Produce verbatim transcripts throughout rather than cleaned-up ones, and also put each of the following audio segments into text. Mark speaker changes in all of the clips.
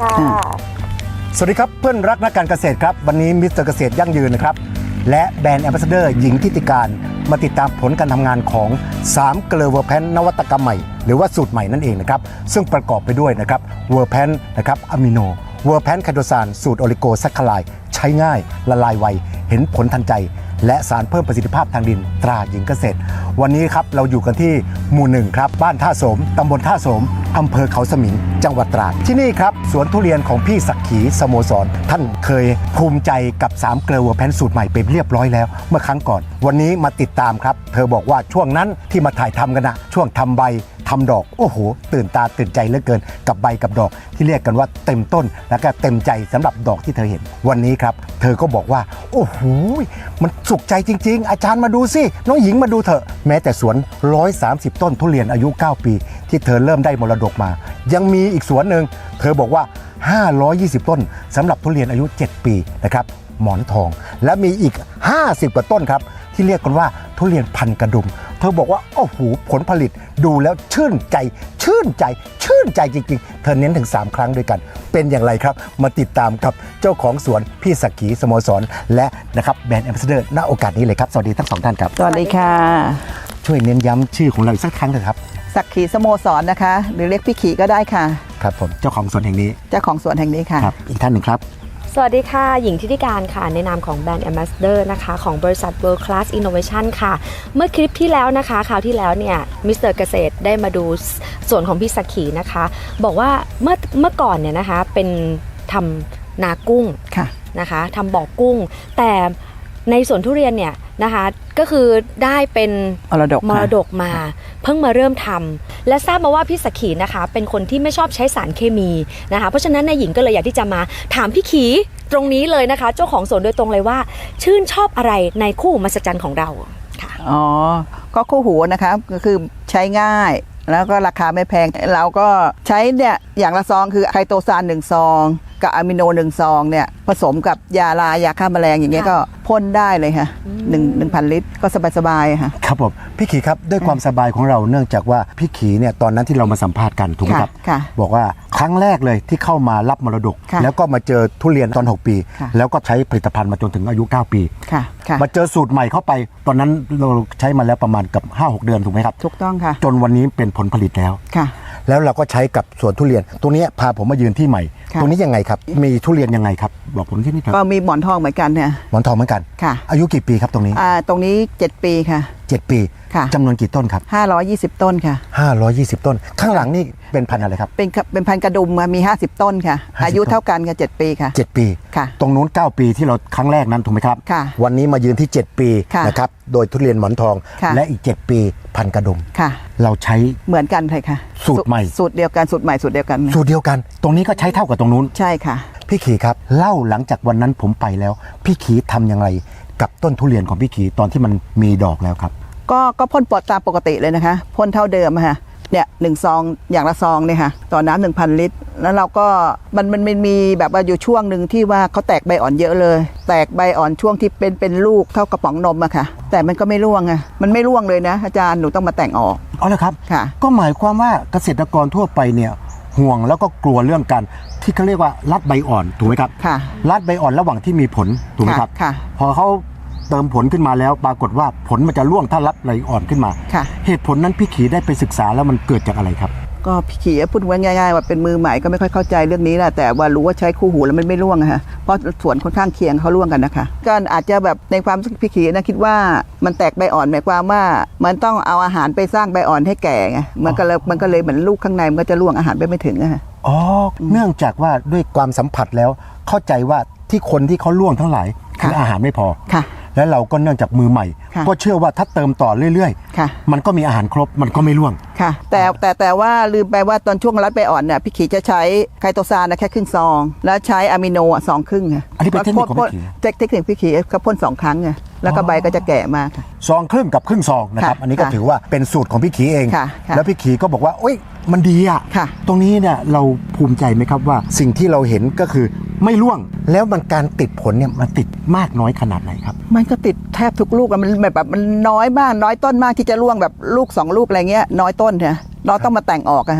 Speaker 1: ค่ะ
Speaker 2: สวัสดีครับเพื่อนรักนักการเกษตรครับวันนี้มิสเตอร์เกษตรยั่งยืนนะครับและแบรนด์แอมบาสเดอร์หญิงทิติการมาติดตามผลการทำงานของสามเกลือเวอร์แพนนวัตกรรมใหม่หรือว่าสูตรใหม่นั่นเองนะครับซึ่งประกอบไปด้วยนะครับเวอร์แพนนะครับอะมิโนเวอร์แพนไคโตซานสูตรโอลิโกแซคคาไลด์ใช้ง่ายละลายไวเห็นผลทันใจและสารเพิ่มประสิทธิภาพทางดินตราหญิงเกษตรวันนี้ครับเราอยู่กันที่หมู่หนึ่งครับบ้านท่าโสมตำบลท่าโสมอำเภอเขาสมิงจังหวัดตราดที่นี่ครับสวนทุเรียนของพี่ศักดิ์ขีสโมสรท่านเคยภูมิใจกับสามเกลือเวอร์แพนสูตรใหม่ไปเรียบร้อยแล้วเมื่อครั้งก่อนวันนี้มาติดตามครับเธอบอกว่าช่วงนั้นที่มาถ่ายทำกันนะช่วงทำใบทำดอกโอ้โหตื่นตาตื่นใจเหลือเกินกับใบกับดอกที่เรียกกันว่าเต็มต้นแล้วก็เต็มใจสำหรับดอกที่เธอเห็นวันนี้ครับเธอก็บอกว่าโอ้โหมันสุขใจจริงๆอาจารย์มาดูสิน้องหญิงมาดูเถอะแม้แต่สวนหนึ่งร้อยสามสิบต้นทุเรียนอายุเก้าปีที่เธอเริ่มได้มรดกมายังมีอีกสวนหนึ่งเธอบอกว่าห้าร้อยยี่สิบต้นสำหรับทุเรียนอายุเจ็ดปีนะครับหมอนทองและมีอีกห้าสิบกว่าต้นครับที่เรียกกันว่าทุเรียนพันกระดุมเธอบอกว่าโอ้โหผลผลิตดูแล้วชื่นใจชื่นใจชื่นใจจริงๆเธอเน้นถึงสามครั้งด้วยกันเป็นอย่างไรครับมาติดตามกับเจ้าของสวนพี่ศักดิ์ขีสโมสรและนะครับแบรนด์แอมบาสเดอร์ณโอกาสนี้เลยครับสวัสดีทั้งสองท่านครับ
Speaker 3: สวัสดีค่ะ
Speaker 2: ช่วยเน้นย้ำชื่อของเราอีกสักครั้งเถอะครับ
Speaker 3: ศักดิ์ขีสโมสรนะคะหรือเรียกพี่ขีก็ได้ค่ะ
Speaker 2: ครับผมเจ้าของสวนแห่งนี้
Speaker 3: เจ้าของสวนแห่งนี้ค่ะ
Speaker 2: ครับอีกท่านหนึ่งครับ
Speaker 1: สวัสดีค่ะหญิงทิติการค่ะในนามของแบรนด์ Ambassador นะคะของบริษัท World Class Innovation ค่ะเมื่อคลิปที่แล้วนะคะคราวที่แล้วเนี่ยมิสเตอร์เกษตรได้มาดูส่วนของพี่ศักดิ์ขีนะคะบอกว่าเมื่อเมื่อก่อนเนี่ยนะคะเป็นทำนากุ้งนะคะทำบ่อกุ้งแต่ในสวนทุเรียนเนี่ยนะคะก็คือได้เป็น
Speaker 3: มรดก
Speaker 1: มรดกมาเพิ่งมาเริ่มทำและทราบมาว่าพี่ศักดิ์ขีนะคะเป็นคนที่ไม่ชอบใช้สารเคมีนะคะเพราะฉะนั้นนายหญิงก็เลยอยากที่จะมาถามพี่ขีตรงนี้เลยนะคะเจ้าของสวนโดยตรงเลยว่าชื่นชอบอะไรในคู่หูมหัศจรรย์ของเราค่ะ
Speaker 3: อ๋อก็คู่หูนะคะก็คือใช้ง่ายแล้วก็ราคาไม่แพงเราก็ใช้เนี่ยอย่างละซองคือไคโตซานหนึ่งซองกับอะมิโนหนึ่งซองเนี่ยผสมกับยาลายาฆ่าแมลงอย่างเงี้ยก็พ่นได้เลยค่ะหนึ่งหนึ่งพันลิตรก็สบายๆค่ะ
Speaker 2: ครับผมพี่ขีครับด้วยความสบายของเราเนื่องจากว่าพี่ขีเนี่ยตอนนั้นที่เรามาสัมภาษณ์กันถูกไหมครับบอกว่าครั้งแรกเลยที่เข้ามารับมรดกแล้วก็มาเจอทุเรียนตอนหกปีแล้วก็ใช้ผลิตภัณฑ์มาจนถึงอายุเก้าปีมาเจอสูตรใหม่เข้าไปตอนนั้นเราใช้มาแล้วประมาณกับ ห้าหก เดือนถูกไหมครับ
Speaker 3: ถูกต้องค่ะ
Speaker 2: จนวันนี้เป็นผลผลิตแล้วแล้วเราก็ใช้กับสวนทุเรียนตรงนี้พาผมมายืนที่ใหม่ตรงนี้ยังไงครับมีทุเรียนยังไงครับบอกผมที่นี่ครับ
Speaker 3: ก็มีหมอนทองเหมือนกันเนี่ย
Speaker 2: หมอนทองเหมือนกัน
Speaker 3: ค่ะ
Speaker 2: อายุกี่ปีครับตรงนี้
Speaker 3: อ่าตรงนี้เจ็ดปีค่ะ
Speaker 2: เจ็ดปี
Speaker 3: ค่ะ
Speaker 2: จำนวนกี่ต้นครับ
Speaker 3: ห้าร้อยยี่สิบต้นค่ะ
Speaker 2: ห้าร้อยยี่สิบต้นข้างหลังนี่เป็นพันธุ์อะไรครับ
Speaker 3: เป็นเป็นพันธุ์กระดุมมีห้าสิบต้นค่ะอายุเท่ากันกับเจ็ดปีค่ะ
Speaker 2: เจ็ดปี
Speaker 3: ค่ะ
Speaker 2: ตรงนู้นเก้าปีที่เราครั้งแรกนั้นถูกไหมครับ
Speaker 3: ค่ะ
Speaker 2: วันนี้มายืนที่เจ็ดปีนะครับโดยทุเรียนหมอนทองและอีกเจ็ดปีพันธุ์กระดุม
Speaker 3: ค่ะ
Speaker 2: เราใช้
Speaker 3: เหมือนกันเลยค่ะ
Speaker 2: สูตรใหม่
Speaker 3: สูตรเดียวกันสูตรใหม่สูตรเดียวกัน
Speaker 2: สูตรเดียวกันตรงนี้ก็ใช้เท่ากับตรงนู้น
Speaker 3: ใช่ค่ะ
Speaker 2: พี่ขีครับเล่าหลังจากวันนั้นผมไปแล้วพี่ขีทำอย่างไรกับต้นทุเรียนของพี่ขีตอนที่มันมีดอกแล้วครับ
Speaker 3: ก็ก็พ่นปลอดตามปกติเลยนะคะพ่นเท่าเดิมค่ะเนี่ยหนึ่งซองอย่างละซองเนี่ยค่ะต่อน้ำหนึ่งพันลิตรแล้วเราก็มันมันมันมีแบบว่าอยู่ช่วงหนึ่งที่ว่าเขาแตกใบอ่อนเยอะเลยแตกใบอ่อนช่วงที่เป็นเป็นลูกเท่ากระป๋องนมอะค่ะแต่มันก็ไม่ร่วงอะมันไม่ร่วงเลยนะอาจารย์หนูต้องมาแต่งออก
Speaker 2: อ๋อเหรอครับ
Speaker 3: ค่ะ
Speaker 2: ก็หมายความว่าเกษตรกรทั่วไปเนี่ยห่วงแล้วก็กลัวเรื่องการที่เขาเรียกว่ารัดใบอ่อนถูกไหมครับ
Speaker 3: ค่ะ
Speaker 2: รัดใบอ่อนระหว่างที่มีผลถูกไหมครับ
Speaker 3: ค่ะ
Speaker 2: พอเขาเติมผลขึ้นมาแล้วปรากฏว่าผลมันจะร่วงถ้ารัดใบอ่อนขึ้นมาเหตุผลนั้นพี่ขีได้ไปศึกษาแล้วมันเกิดจากอะไรครับ
Speaker 3: ก็พี่ขีพูดง่ายๆว่าเป็นมือใหม่ก็ไม่ค่อยเข้าใจเรื่องนี้แหละแต่ว่ารู้ว่าใช้คู่หูแล้วมันไม่ร่วงอะฮะเพราะสวนค่อนข้างเคียงเขาร่วงกันนะคะก็อาจจะแบบในความพี่ขีนะคิดว่ามันแตกใบอ่อนหมายความว่ามันต้องเอาอาหารไปสร้างใบอ่อนให้แก่ไงมันก็เลยมันก็เลยเหมือนลูกข้างในมันก็จะร่วงอาหารไปไม่ถึงอะฮะ
Speaker 2: อ๋อเนื่องจากว่าด้วยความสัมผัสแล้วเข้าใจว่าที่คนที่เขาร่วงทั้งหลายคืออาหารไม่พอ
Speaker 3: ค่ะ
Speaker 2: และเราก็เนื่องจากมือใหม่ก็เชื่อว่าถ้าเติมต่อเรื่อยๆมันก็มีอาหารครบมันก็ไม่ร่วง
Speaker 3: ค่ะแต่แต่แต่ว่าลืมไปว่าตอนช่วงรัดใบอ่อนเนี่ยพี่ขีจะใช้ไคโตซานนะแค่ครึ่งซองแล้วใช้อะมิโนอ่ะสองครึ่งค่ะ
Speaker 2: อันนี้เป็นเทคนิคของพี่ขี
Speaker 3: เทคนิคพี่ขีก็พ่นสองครั้งไงแล้วก็ใบก็จะแก่มาก
Speaker 2: ซองครึ่งกับครึ่งซองนะครับอันนี้ก็ถือว่าเป็นสูตรของพี่ขีเองแล้วพี่ขีก็บอกว่าโอ๊ยมันดีอ่ะตรงนี้เนี่ยเราภูมิใจไหมครับว่าสิ่งที่เราเห็นก็คือไม่ร่วงแล้วมันการติดผลเนี่ยมันติดมากน้อยขนาดไหนครับ
Speaker 3: มันก็ติดแทบทุกลูกมันแบบมันน้อยมากน้อยต้นมากที่จะร่วงแบบลูกสองลูกอะไรเงี้ยน้อยต้นเนี่ยเราต้องมาแต่งออกอะฮะ
Speaker 2: ไอ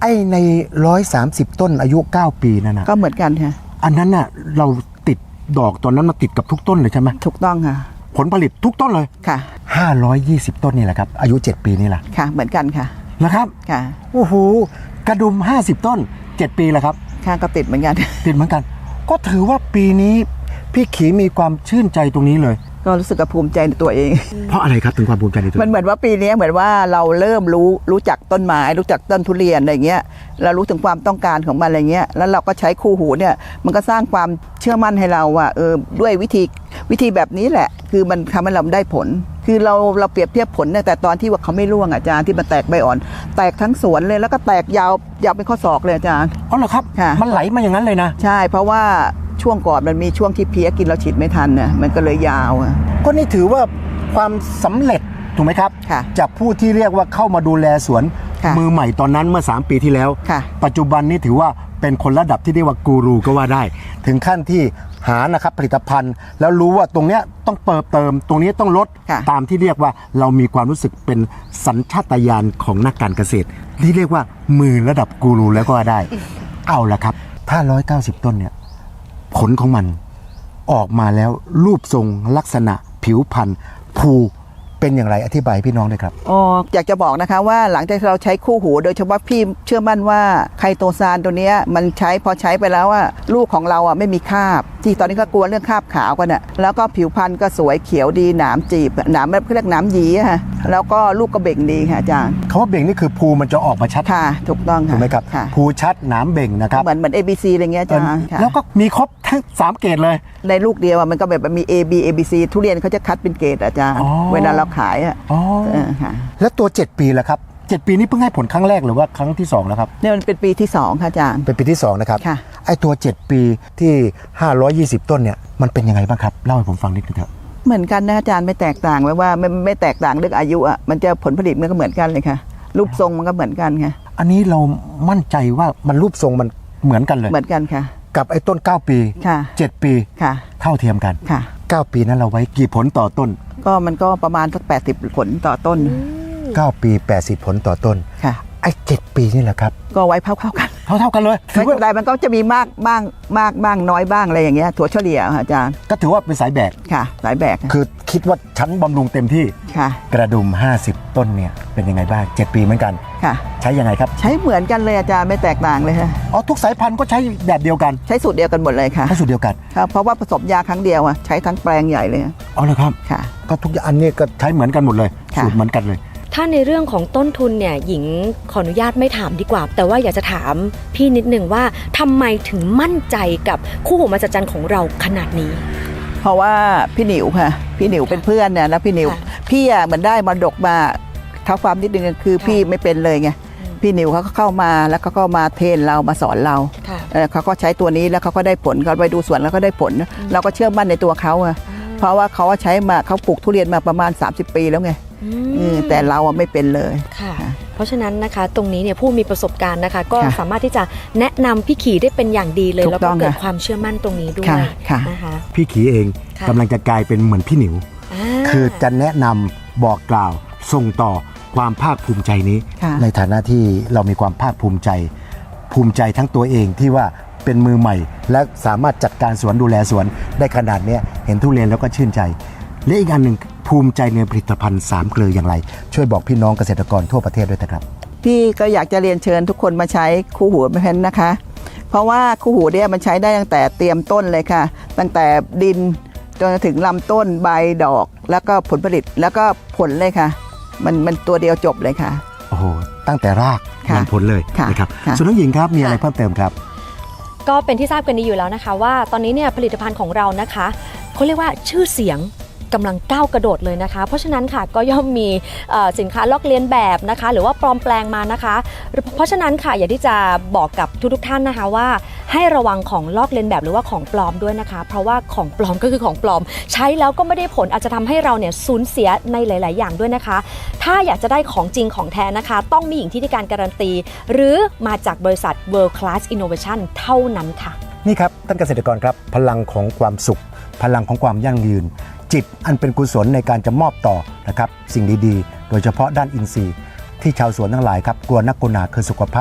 Speaker 2: อ้ในหนึ่งร้อยสามสิบต้นอายุเก้าปีนั่นนะ
Speaker 3: ก็เหมือนกันค่ะ
Speaker 2: อันนั้นน่ะเราติดดอกตอนนั้นมาติดกับทุกต้นเลยใช่ไหม
Speaker 3: ถูกต้องค่ะ
Speaker 2: ผลผลิตทุกต้นเลย
Speaker 3: ค่ะ
Speaker 2: ห้าร้อยยี่สิบต้นนี่แหละครับอายุเจ็ดปีนี่แหละ
Speaker 3: ค่ะ เหมือนกันค่ะ
Speaker 2: นะครับ
Speaker 3: ค่ะ
Speaker 2: โอ้โหกระดุมห้าสิบต้นเจ็ดปีแล้วครับ
Speaker 3: ค่ะก็ติดเหมือนกัน
Speaker 2: ติดเหมือนกัน ก็ถือว่าปีนี้พี่ขีมีความชื่นใจตรงนี้เลย
Speaker 3: ก็รู้สึกกับภูมิใจในตัวเอง
Speaker 2: เพราะอะไรครับถึงความภูมิใจในตัว
Speaker 3: มันเหมือนว่าปีนี้เหมือนว่าเราเริ่มรู้รู้จักต้นไม้รู้จักต้นทุเรียนอะไรเงี้ยเรารู้ถึงความต้องการของมันอะไรเงี้ยแล้วเราก็ใช้คู่หูเนี่ยมันก็สร้างความเชื่อมั่นให้เราว่าเออด้วยวิธีวิธีแบบนี้แหละ คือมันทำให้เราได้ผล คือเราเราเปรียบเทียบผลเนี่ยแต่ตอนที่ว่าเขาไม่ร่วงอาจารย์ที่มันแตกใบอ่อน แตกทั้งสวนเลยแล้วก็แตกยาวยาวเป็นข้อศอกเลยอาจารย์
Speaker 2: อ๋อเหรอครับ
Speaker 3: ค่ะ
Speaker 2: มันไหลมาอย่างนั้นเลยนะ
Speaker 3: ใช่เพราะว่าช่วงก่อนมันมีช่วงที่เพี้ยกินเราฉีดไม่ทันเนี่ยมันก็เลยยาวอะ
Speaker 2: ก็นี่ถือว่าความสำเร็จถูกไหมครับ
Speaker 3: ค่ะ
Speaker 2: จากผู้ที่เรียกว่าเข้ามาดูแลสวน
Speaker 3: ค่ะ
Speaker 2: มือใหม่ตอนนั้นเมื่อสามปีที่แล้ว
Speaker 3: ค่ะ
Speaker 2: ปัจจุบันนี้ถือว่าเป็นคนระดับที่เรียกว่ากูรูก็ว่าได้ ถึงขั้นที่หานะครับผลิตภัณฑ์ แล้วรู้ว่าตรงเนี้ยต้องเติมเติม ตรงนี้ต้องลด
Speaker 3: ค่ะ
Speaker 2: ตามที่เรียกว่าเรามีความรู้สึกเป็นสัญชาตญาณของนักการเกษตร ที่เรียกว่ามือระดับกูรูแล้วก็ว่าได้ เอาละครับ ถ้าหนึ่งร้อยเก้าสิบต้นเนี่ยผลของมันออกมาแล้วรูปทรงลักษณะผิวพรรณภูเป็นอย่างไรอธิบายพี่น้องด้วยครับ
Speaker 3: อ๋ออยากจะบอกนะคะว่าหลังจากที่เราใช้คู่หูโดยเฉพาะพี่เชื่อมั่นว่าไคโตซานตัวเนี้ยมันใช้พอใช้ไปแล้วว่าลูกของเราอ่ะไม่มีคราบ ที่ตอนนี้ก็กลัวเรื่องคราบขาวกันอ่ะแล้วก็ผิวพรรณก็สวยเขียวดีหนามจีบหนามเขาเรียกหนามหยีอะค่ะแล้วก็ลูกก็เบ่งดีค่ะอาจารย์
Speaker 2: คำว่าเบ่งนี่คือภูมันจะออกมาชัด
Speaker 3: ค่ะถูกต้องค่ะ
Speaker 2: ถูกไหมครับ
Speaker 3: ค่ะ
Speaker 2: ภูชัดหนามเบ่งนะครับ
Speaker 3: เหมือนเหมือน เอ บี ซี อะไรเงี้ยอาจารย์ค่ะ
Speaker 2: แล้วก็มีครบทั้งสามเกรดเลย
Speaker 3: ในลูกเดียวอะมันก็แบบมี A B A B C ทุเรียนเขาจะคัดเป็นเกรดอาจารย์
Speaker 2: อ๋อ
Speaker 3: เวลาเราขายอ่ะ
Speaker 2: อ๋อ
Speaker 3: เออค่ะ
Speaker 2: แล้วตัวเจ็ดปีแล้วครับเจ็ดปีนี้เพิ่งให้ผลครั้งแรกหรือว่าครั้งที่สองแล้วครับ
Speaker 3: เนี่ยมันเป็นปีที่สองค่ะอาจารย์
Speaker 2: เป็นปีที่สองนะครับ
Speaker 3: ค่ะ
Speaker 2: ไอ้ตัวเจ็ดปีที่ห้าร้อยยี่สิบต้นเนี่ยมันเป็นยังไงบ้างครับเล่าให้ผมฟังนิดนึงเถอะ
Speaker 3: เหมือนกันนะอาจารย์ไม่แตกต่างไว้ว่าไม่ไม่แตกต่างเรื่องอายุอ่ะมันจะผลผลิตมันก็เหมือนกันเลยค่ะ รูปทรงมันก็เหมือนกันค่ะ
Speaker 2: อันนี้เรามั่นใจว่ามันรูปทรงมันเหมือนกันเลย
Speaker 3: เหมือนกันค่ะ
Speaker 2: กับไอ้ต้นเก้าปี
Speaker 3: ค่ะ
Speaker 2: เจ็ดปี
Speaker 3: ค่ะ
Speaker 2: เท่าเทียมกัน
Speaker 3: ค่ะ
Speaker 2: เก้าปีนั้นเราไว้กี่ผลต่อต้น
Speaker 3: ก็มันก็ประมาณสักแปดสิบผลต่อต้น
Speaker 2: เก้าปีแปดสิบผลต่อต้น
Speaker 3: ค่ะ
Speaker 2: ไอ้เจ็ดปีนี่แหละครับ
Speaker 3: ก็ไว้เท่าๆกัน
Speaker 2: เท่าเท่ากันเลยถื
Speaker 3: ไม่
Speaker 2: อว่า
Speaker 3: เป็นไรมันก็จะมีมากบ้างมากบ้างน้อยบ้างอะไรอย่างเงี้ยถั่วเฉลี่ยค่ะอาจารย์
Speaker 2: ก็ถือว่าเป็นสายแบก
Speaker 3: ค่ะสายแบกค่ะ
Speaker 2: คือคิดว่าชั้นบำรุงเต็มที่
Speaker 3: ค่ะ
Speaker 2: กระดุมห้าสิบต้นเนี่ยเป็นยังไงบ้างเจ็ดปีเหมือนกัน
Speaker 3: ค่ะ
Speaker 2: ใช้ยังไงครับ
Speaker 3: ใช้เหมือนกันเลยอาจารย์ไม่แตกต่างเลยค่ะ
Speaker 2: อ๋อทุกสายพันธุ์ก็ใช้แบบเดียวกัน
Speaker 3: ใช้สูตรเดียวกันหมดเลยค่ะ
Speaker 2: ใช้สูตรเดียวกัน
Speaker 3: ครับเพราะว่าผสมยาครั้งเดียวอ่ะใช้ทั้งแปลงใหญ่เลย
Speaker 2: อ๋อเหรอครับ
Speaker 3: ค่ะ
Speaker 2: ก็ทุกอย่างอันนี้ก็ใช้เหมือนกันหมดเลย
Speaker 3: ค่ะ
Speaker 2: สูตรเหมือนกันเลย
Speaker 1: ถ้าในเรื่องของต้นทุนเนี่ยหญิงขออนุญาตไม่ถามดีกว่า แต่ว่าอยากจะถามพี่นิดหนึ่งว่าทำไมถึงมั่นใจกับคู่หูมหัศจรรย์ของเราขนาดนี้
Speaker 3: เพราะว่าพี่หนิวค่ะ พี่หนิวเป็นเพื่อนเนี่ยแล้วพี่หนิว
Speaker 1: ค่ะ
Speaker 3: พี่อ่ะเหมือนได้มรดกมาเท้าความนิดนึงคือ
Speaker 1: ค่ะ
Speaker 3: พี่ไม่เป็นเลยไงพี่หนิวเขาก็เข้ามาแล้วเขาก็มาเทรนเรามาสอนเรา
Speaker 1: ค่ะ
Speaker 3: เออเขาก็ใช้ตัวนี้แล้วเขาก็ได้ผลเขาไปดูสวนแล้วก็ได้ผล เราก็เชื่อมั่นในตัวเขาอะเพราะว่าเขาใช้มาเขาปลูกทุเรียนมาประมาณ สามสิบ ปีแล้วไง
Speaker 1: อื
Speaker 3: เอ
Speaker 1: ม
Speaker 3: อแต่เราอะไม่เป็นเลย
Speaker 1: ค่ะ
Speaker 3: ค่ะ
Speaker 1: เพราะฉะนั้นนะคะตรงนี้เนี่ยผู้มีประสบการณ์นะคะ ก็
Speaker 3: ค่ะ
Speaker 1: สามารถที่จะแนะนำพี่ขี่ได้เป็นอย่างดีเลย
Speaker 3: ถูก
Speaker 1: แล้ว
Speaker 3: ต้
Speaker 1: ก็
Speaker 3: อง
Speaker 1: เกิด
Speaker 3: ค่ะ
Speaker 1: ความเชื่อมั่นตรงนี้ด้วย
Speaker 3: ค่ะค่ะ
Speaker 1: นะคะ
Speaker 2: พี่ขีเอง
Speaker 1: ค่ะ
Speaker 2: กำลังจะกลายเป็นเหมือนพี่หนิว
Speaker 1: อ่า
Speaker 2: คือจะแนะนำบอกกล่าวส่งต่อความภาคภูมิใจนี้
Speaker 3: ค่ะ
Speaker 2: ในฐานะที่เรามีความภาคภูมิใจ ภูมิใจทั้งตัวเองที่ว่าเป็นมือใหม่ และสามารถจัดการสวนดูแลสวนได้ขนาดเนี้ยเห็นทุเรียนแล้วก็ชื่นใจ และอีกอันหนึ่งภูมิใจในผลิตภัณฑ์สามเกลืออย่างไร ช่วยบอกพี่น้องเกษตรกรทั่วประเทศด้วยนะครับ
Speaker 3: พี่ก็อยากจะเรียนเชิญทุกคนมาใช้คู่หูแพนนะคะ เพราะว่าคู่หูเนี่ยมันใช้ได้ตั้งแต่เตรียมต้นเลยค่ะ ตั้งแต่ดินจนถึงลำต้นใบดอก แล้วก็ผลผลิตแล้วก็ผลเลยค่ะ มันมันตัวเดียวจบเลยค่ะ
Speaker 2: โอ้โหตั้งแต่ราก
Speaker 3: ค่ะ
Speaker 2: ยันผลเลย
Speaker 3: ค่ะ
Speaker 2: นะครับ
Speaker 3: ค่ะ
Speaker 2: ส่วนน้องหญิงครับมีอะไร
Speaker 1: ค่ะ
Speaker 2: เพิ่มเติมครับ
Speaker 1: ก็เป็นที่ทราบกันดีอยู่แล้วนะคะว่าตอนนี้เนี่ยผลิตภัณฑ์ของเรานะคะเขาเรียกว่าชื่อเสียงกำลังก้าวกระโดดเลยนะคะ เพราะฉะนั้นค่ะก็ย่อมมีเอ่อสินค้าลอกเลียนแบบนะคะ หรือว่าปลอมแปลงมานะคะ เพราะฉะนั้นค่ะอยากที่จะบอกกับทุกๆท่านนะคะว่าให้ระวังของลอกเลียนแบบหรือว่าของปลอมด้วยนะคะ เพราะว่าของปลอมก็คือของปลอม ใช้แล้วก็ไม่ได้ผลอาจจะทำให้เราเนี่ยสูญเสียในหลาย ๆ อย่างด้วยนะคะ ถ้าอยากจะได้ของจริงของแท้นะคะ ต้องมีหญิงที่ได้การการันตี หรือมาจากบริษัท World Class Innovation เท่านั้นค่ะ
Speaker 2: นี่ครับท่านเกษตรกรครับพลังของความสุข พลังของความยั่งยืน จิตอันเป็นกุศลในการจะมอบต่อนะครับสิ่งดีๆ โดยเฉพาะด้านอินทรีย์ที่ชาวสวนทั้งหลายครับกลัวนักกลัวหนาคือสุขภาพ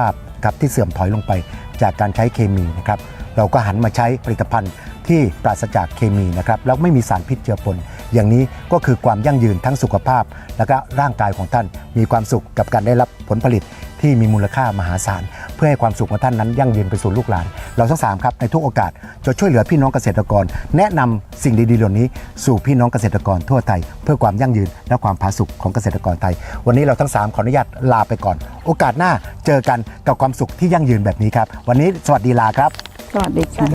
Speaker 2: ครับที่เสื่อมถอยลงไปจากการใช้เคมีนะครับเราก็หันมาใช้ผลิตภัณฑ์ที่ปราศจากเคมีนะครับแล้วไม่มีสารพิษเจือปนอย่างนี้ก็คือความยั่งยืนทั้งสุขภาพและก็ร่างกายของท่านมีความสุขกับการได้รับผลผลิตที่มีมูลค่ามหาศาลเพื่อให้ความสุขของท่านนั้นยั่งยืนไปสู่ลูกหลานเราทั้งสามครับในทุกโอกาสจะช่วยเหลือพี่น้องเกษตรกรแนะนำสิ่งดีๆเหล่านี้สู่พี่น้องเกษตรกรทั่วไทยเพื่อความยั่งยืนและความผาสุกของเกษตรกรไทยวันนี้เราทั้งสามขออนุญาตลาไปก่อนโอกาสหน้าเจอกันกับความสุขที่ยั่งยืนแบบนี้ครับวันนี้สวัสดีลาครับ
Speaker 3: สวัสดีค่ะ